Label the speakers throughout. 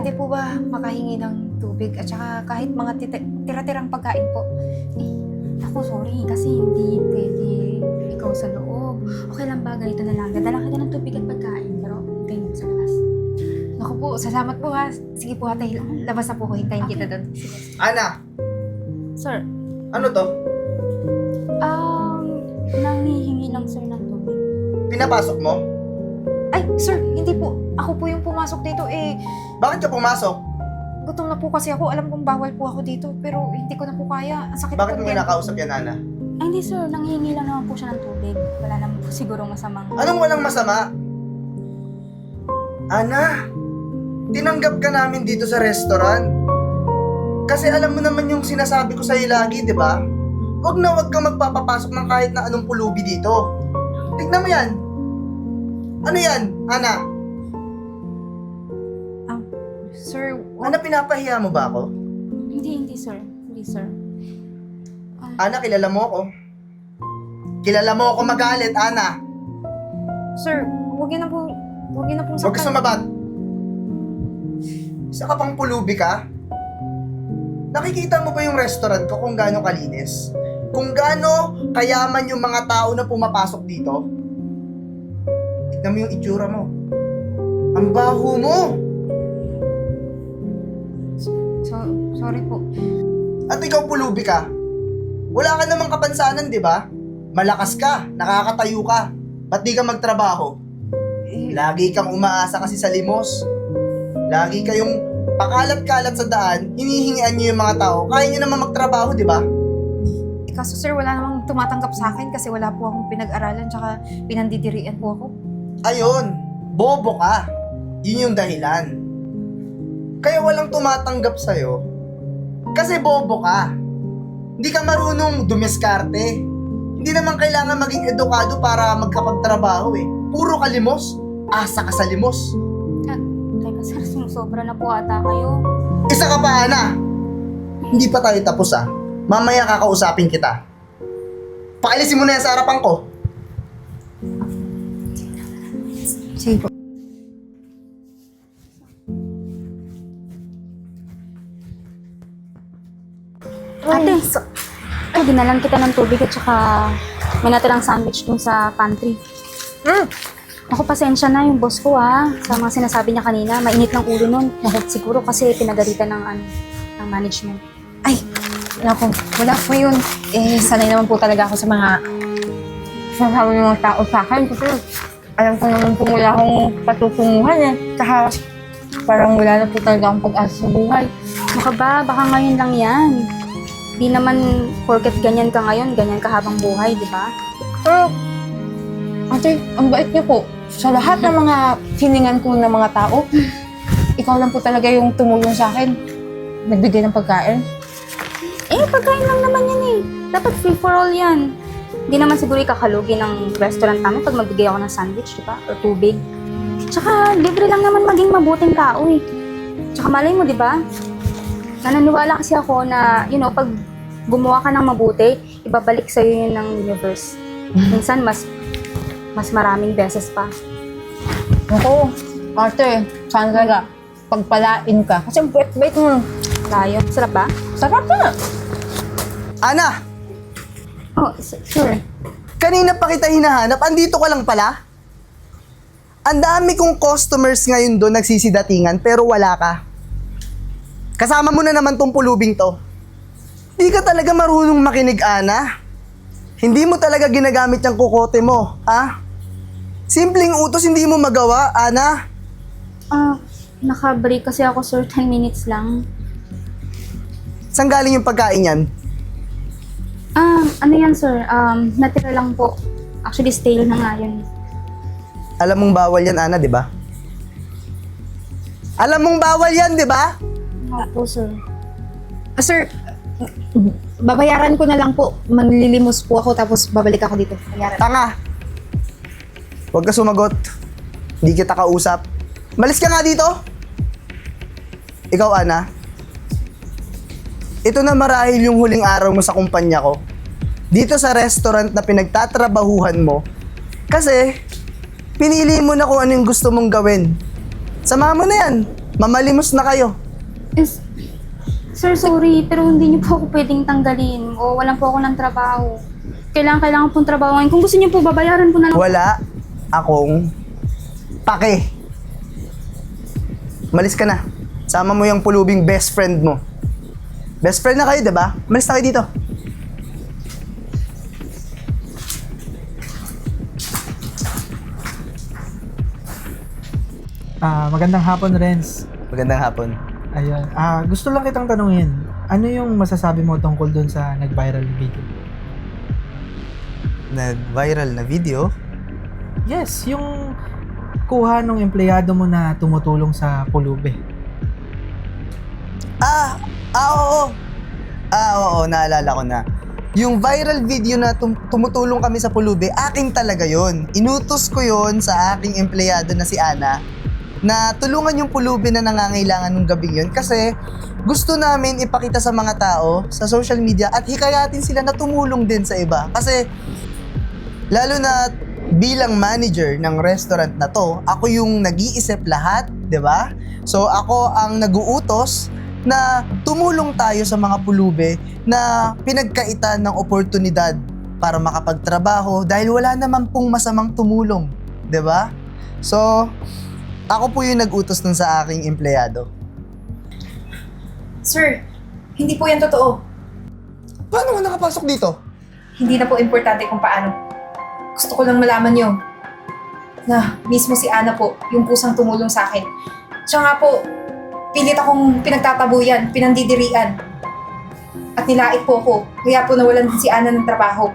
Speaker 1: pwede po ba makahingi ng tubig at saka kahit mga tira-tirang pagkain po?
Speaker 2: Eh, ako sorry kasi hindi pwede ikaw sa loob. Okay lang ba? Ganito na lang. Dadala kita ng tubig at pagkain. Pero hintayin mo sa labas.
Speaker 1: Naku po, salamat po ha. Sige po ate, labas na po ko. Hintayin kita doon.
Speaker 3: Ana,
Speaker 2: Sir,
Speaker 3: ano to?
Speaker 2: nangihingi lang sir ng tubig.
Speaker 3: Pinapasok mo?
Speaker 1: Ay, sir, hindi po. Ako po yung pumasok dito eh.
Speaker 3: Bakit ka pumasok?
Speaker 1: Gutom na po kasi ako. Alam kong bawal po ako dito. Pero hindi ko na po kaya. Ang sakit
Speaker 3: Bakit
Speaker 1: po
Speaker 3: mo
Speaker 1: ng tiyan ko.
Speaker 3: kinakausap yan, Ana?
Speaker 2: Ay, hindi sir. Nanghihingi lang naman po siya ng tubig. Wala naman po siguro masamang...
Speaker 3: Anong walang masama? Ana, tinanggap ka namin dito sa restaurant. Kasi alam mo naman yung sinasabi ko sa'yo lagi, di ba? Huwag na huwag kang magpapapasok ng kahit na anong pulubi dito. Tignan mo yan. Ano yan, Ana?
Speaker 1: Sir,
Speaker 3: Ana, pinapahiya mo ba ako?
Speaker 2: Hindi sir. Hindi sir.
Speaker 3: Ana, kilala mo ako. Kilala mo ako magalit, Ana.
Speaker 1: sir, huwag yun na po. Huwag yun na pong
Speaker 3: Huwag ka
Speaker 1: saktan.
Speaker 3: sumabat. Isa ka pang pulubi ka? Nakikita mo ba yung restaurant ko kung gaano kalinis? Kung gaano kayaman yung mga tao na pumapasok dito? Tignan mo yung itsura mo. Ang baho mo!
Speaker 1: Sorry po.
Speaker 3: At ikaw pulubi ka. Wala ka namang kapansanan, di ba? Malakas ka, nakakatayo ka. Ba't di ka magtrabaho? Lagi kang umaasa kasi sa limos. Lagi kayong pakalat-kalat sa daan, hinihingian niyo yung mga tao. Kaya niyo naman magtrabaho, di ba?
Speaker 1: Kaso sir, wala namang tumatanggap sa akin kasi wala po akong pinag-aralan tsaka pinandidirian po ako.
Speaker 3: Ayun, bobo ka. Yun yung dahilan. Kaya walang tumatanggap sa'yo. Kasi bobo ka. Hindi ka marunong dumiskarte. Hindi naman kailangan maging edukado para magkapagtrabaho eh. Puro ka limos. Asa ka sa limos.
Speaker 2: Teka sir, sumusobra na po ata kayo.
Speaker 3: Isa ka pa, Ana. Hindi pa tayo tapos ah. Mamaya kakausapin kita. Paalisin mo na yan sa harapan ko.
Speaker 1: Sige po.
Speaker 2: Ate, dinalan kita ng tubig at saka may natirang sandwich dun sa pantry. Ako, pasensya na yung boss ko sa mga sinasabi niya kanina. Mainit ng ulo nun. Siguro kasi pinagalitan ng management.
Speaker 1: Ay, naku, wala po yun. Eh, sanay naman po talaga ako sa mga sasabi ng mga tao sa akin. Kasi alam ko naman po wala akong patutunguhan eh. Tsaka parang wala na po talaga akong pag-asa sa buhay.
Speaker 2: Baka ba? Baka ngayon lang yan. Di naman porket ganyan ka ngayon, ganyan ka habang buhay, di ba?
Speaker 1: Pero, ate, ang bait niyo po. Sa lahat ng mga hiningan ko ng mga tao, ikaw lang po talaga yung tumulong sa akin. Nagbigay ng pagkain.
Speaker 2: Eh, pagkain lang naman yan eh. Dapat free for all yan. Hindi naman siguro ikakalugi ng restaurant namin pag magbigay ako ng sandwich, di ba? O tubig. Tsaka, libre lang naman maging mabuting tao eh. Tsaka malay mo, di ba? Nananiwala kasi ako na, pag gumawa ka ng mabuti, ibabalik sa'yo yun ng universe. Minsan, mas maraming beses pa.
Speaker 1: Ako, ate, sana talaga pagpalain ka. Kasi ang bait-bait mo.
Speaker 2: Layo. Sarap ba?
Speaker 1: Sarap na.
Speaker 3: Ana,
Speaker 2: Oh, sure.
Speaker 3: kanina pa kita hinahanap. Andito ka lang pala? Ang dami kong customers ngayon doon nagsisidatingan pero wala ka. Kasama mo na naman tong pulubing to. Di ka talaga marunong makinig, Ana. Hindi mo talaga ginagamit yung kukote mo, ha? Simpleng utos hindi mo magawa, Ana.
Speaker 2: Naka-break kasi ako, sir. 10 minutes lang.
Speaker 3: Saan galing yung pagkain yan?
Speaker 2: Ano yan, sir? Natira lang po. Actually, stale na nga yun.
Speaker 3: Alam mong bawal yan, Ana, di ba? Alam mong bawal yan, di ba?
Speaker 2: Opo, sir.
Speaker 1: Sir, babayaran ko na lang po. Manlilimos po ako tapos babalik ako dito. Bayaran.
Speaker 3: Tanga! Huwag ka sumagot. Hindi kita kausap. Malis ka nga dito! Ikaw, Ana. Ito na marahil yung huling araw mo sa kumpanya ko. Dito sa restaurant na pinagtatrabahuhan mo. Kasi, pinili mo na kung ano yung gusto mong gawin. Sama mo na yan. Mamalimos na kayo.
Speaker 2: Is, sir, sorry, pero hindi niyo po ako pwedeng tanggalin. O walang po ako ng trabaho. Kailangan pong trabaho ngayon. Kung gusto niyo po, babayaran ko na lang.
Speaker 3: Wala akong pake. Malis ka na. Sama mo yung pulubing best friend mo. Best friend na kayo, diba? Malis na kayo dito.
Speaker 4: Magandang hapon, Renz.
Speaker 3: Magandang hapon.
Speaker 4: Ayun. Gusto lang kitang tanungin, ano yung masasabi mo tungkol dun sa nag-viral na video?
Speaker 3: Nag-viral na video?
Speaker 4: Yes, yung kuha ng empleyado mo na tumutulong sa pulube.
Speaker 3: Oo, naalala ko na. Yung viral video na tumutulong kami sa pulube, akin talaga yon. Inutos ko yon sa aking empleyado na si Ana na tulungan yung pulube na nangangailangan nung gabing yun kasi gusto namin ipakita sa mga tao sa social media at hikayatin sila na tumulong din sa iba. Kasi lalo na bilang manager ng restaurant na to, ako yung nag-iisip lahat, 'di ba? So ako ang nag-uutos na tumulong tayo sa mga pulube na pinagkaitan ng oportunidad para makapagtrabaho dahil wala naman pong masamang tumulong, 'di ba? So ako po yung nag-utos nun sa aking empleyado.
Speaker 1: Sir, hindi po yan totoo.
Speaker 3: Paano ka nakapasok dito?
Speaker 1: Hindi na po importante kung paano. Gusto ko lang malaman niyo na mismo si Ana po, yung pusang tumulong sa akin. Siya nga po, pilit akong pinagtatabuyan, pinandidirian. At nilait po ako, kaya po nawalan din si Ana ng trabaho.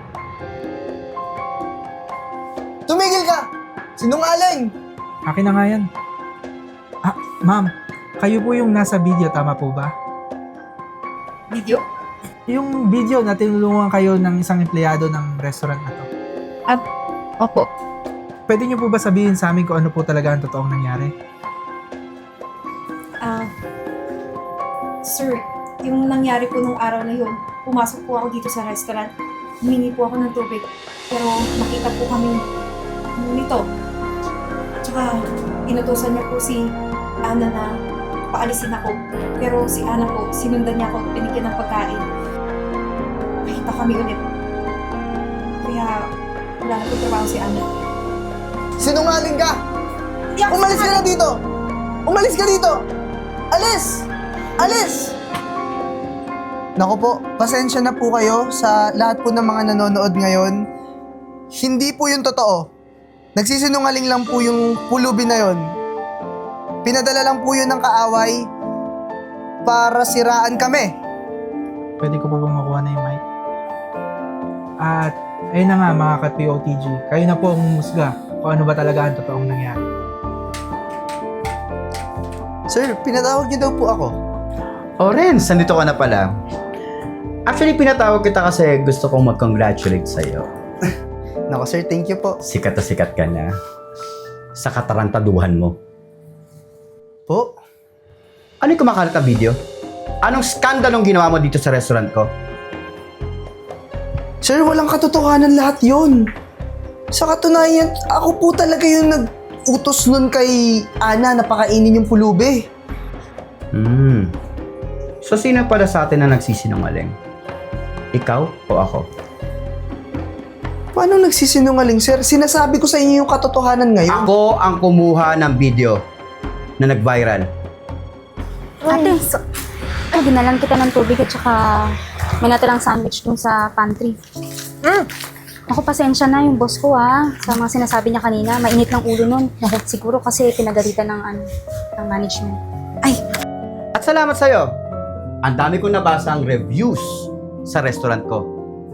Speaker 3: Tumigil ka! Sinungaling!
Speaker 4: Akin na nga yan. Ma'am, kayo po yung nasa video, tama po ba?
Speaker 1: Video?
Speaker 4: Yung video na tinulungan kayo ng isang empleyado ng restaurant na to.
Speaker 1: Opo.
Speaker 4: Pwede niyo po ba sabihin sa amin kung ano po talaga ang totoong nangyari?
Speaker 1: Sir, yung nangyari po nung araw na yun, pumasok po ako dito sa restaurant. Humingi po ako ng tubig. Pero nakita po kami nito. Tsaka, inutusan niya po si Ana na paalisin ako. Pero si Ana po, sinundan niya ako at binigyan ng pagkain. Nakita kami ulit. Kaya, wala na po trabaho si Ana.
Speaker 3: Sinungaling ka!
Speaker 1: Hindi ako
Speaker 3: Umalis ka na dito! Umalis ka dito! Alis! Alis! Naku po, pasensya na po kayo sa lahat po ng mga nanonood ngayon. Hindi po yung totoo. Nagsisinungaling lang po yung pulubi na yon. Pinadala lang po yun ng kaaway para siraan kami.
Speaker 4: Pwede ko po bang makuha na yung mic? At ayun na nga mga ka-POTG, kayo na po ang humusga kung ano ba talaga ang totoong nangyari.
Speaker 3: Sir, pinatawag niyo daw po ako.
Speaker 5: Oh, Renz, nandito ka na pala. Actually, pinatawag kita kasi gusto kong mag-congratulate sa'yo.
Speaker 3: Naku sir, thank you po.
Speaker 5: Sikat na sikat ka na sa katarantaduhan mo.
Speaker 3: Po?
Speaker 5: Ano yung kumakalat na video? Anong skandalong ginawa mo dito sa restaurant ko?
Speaker 3: Sir, walang katotohanan lahat yun. Sa katunayan, ako po talaga yung nag-utos nun kay Ana na pakainin yung pulubi.
Speaker 5: So, sino pala sa atin na nagsisinungaling? Ikaw o ako?
Speaker 3: Paano nagsisinungaling, sir? Sinasabi ko sa inyo yung katotohanan ngayon.
Speaker 5: Ako ang kumuha ng video na nag-viral.
Speaker 2: Ate, ginalan kita ng tubig at saka may natirang sandwich dun sa pantry. Ako, pasensya na yung boss ko sa mga sinasabi niya kanina. Mainit ng ulo nun. Siguro kasi pinagalitan ng management.
Speaker 5: At salamat sa'yo. Ang dami kong nabasa ang reviews sa restaurant ko.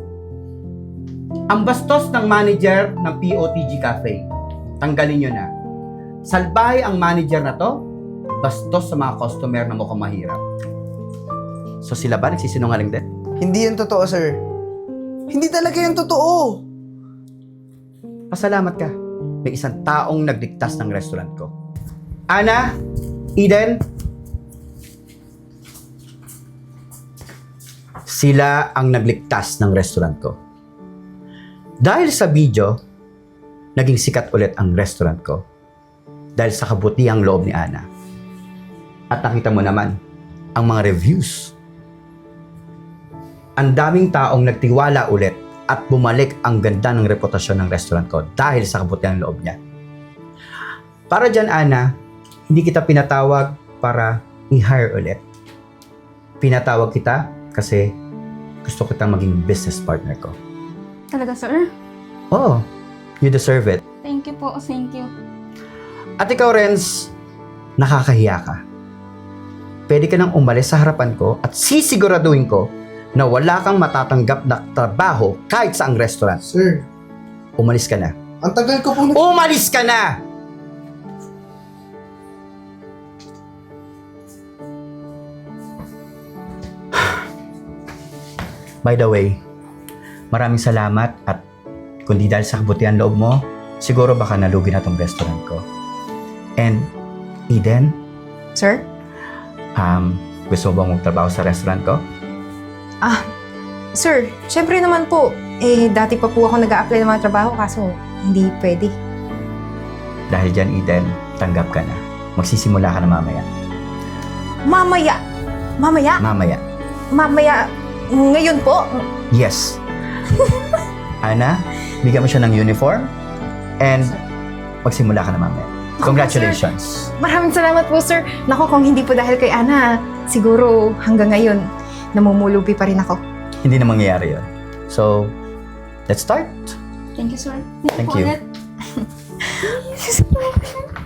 Speaker 5: Ang bastos ng manager ng POTG Cafe. Tanggalin nyo na. Salbahe ang manager na to, bastos sa mga customer na mukhang mahirap. So sila ba nagsisinungaling din?
Speaker 3: Hindi yan totoo, sir. Hindi talaga yan totoo.
Speaker 5: Pasalamat ka. May isang taong nagligtas ng restaurant ko. Ana, Eden, sila ang nagligtas ng restaurant ko. Dahil sa video, naging sikat ulit ang restaurant ko. Dahil sa kabutihang loob ni Ana. At nakita mo naman ang mga reviews. Ang daming taong nagtiwala ulit at bumalik ang ganda ng reputasyon ng restaurant ko dahil sa kabutihan ng loob niya. Para dyan, Ana, hindi kita pinatawag para i-hire ulit. Pinatawag kita kasi gusto kitang maging business partner ko.
Speaker 2: Talaga, sir?
Speaker 5: Oh, you deserve it.
Speaker 2: Thank you po, thank you.
Speaker 5: At ikaw, Renz, nakakahiya ka. Pwede ka nang umalis sa harapan ko at sisiguraduhin ko na wala kang matatanggap na trabaho kahit sa ang restaurant.
Speaker 3: Sir,
Speaker 5: Umalis ka na.
Speaker 3: ang tagal ko po
Speaker 5: Umalis ka na! By the way, maraming salamat at kundi dahil sa kabutihan loob mo, siguro baka nalugi na tong restaurant ko. And, Eden,
Speaker 1: Sir?
Speaker 5: gusto mo bang magtrabaho sa restaurant ko?
Speaker 1: Sir, syempre naman po. Dati pa po ako nag-a-apply ng mga trabaho kaso hindi pwede.
Speaker 5: Dahil dyan, Eden, tanggap ka na. Magsisimula ka na mamaya.
Speaker 1: Mamaya! Mamaya!
Speaker 5: Mamaya.
Speaker 1: Mamaya! Ngayon po!
Speaker 5: Yes. Ana, bigyan mo siya ng uniform and magsimula ka na mamaya. Congratulations.
Speaker 1: Maraming salamat po, sir. Naku, kung hindi po dahil kay Ana, siguro hanggang ngayon, namumulubi pa rin ako.
Speaker 5: Hindi na mangyayari yun. So, let's start.
Speaker 2: Thank you, sir.
Speaker 5: Thank you.
Speaker 2: Ulit.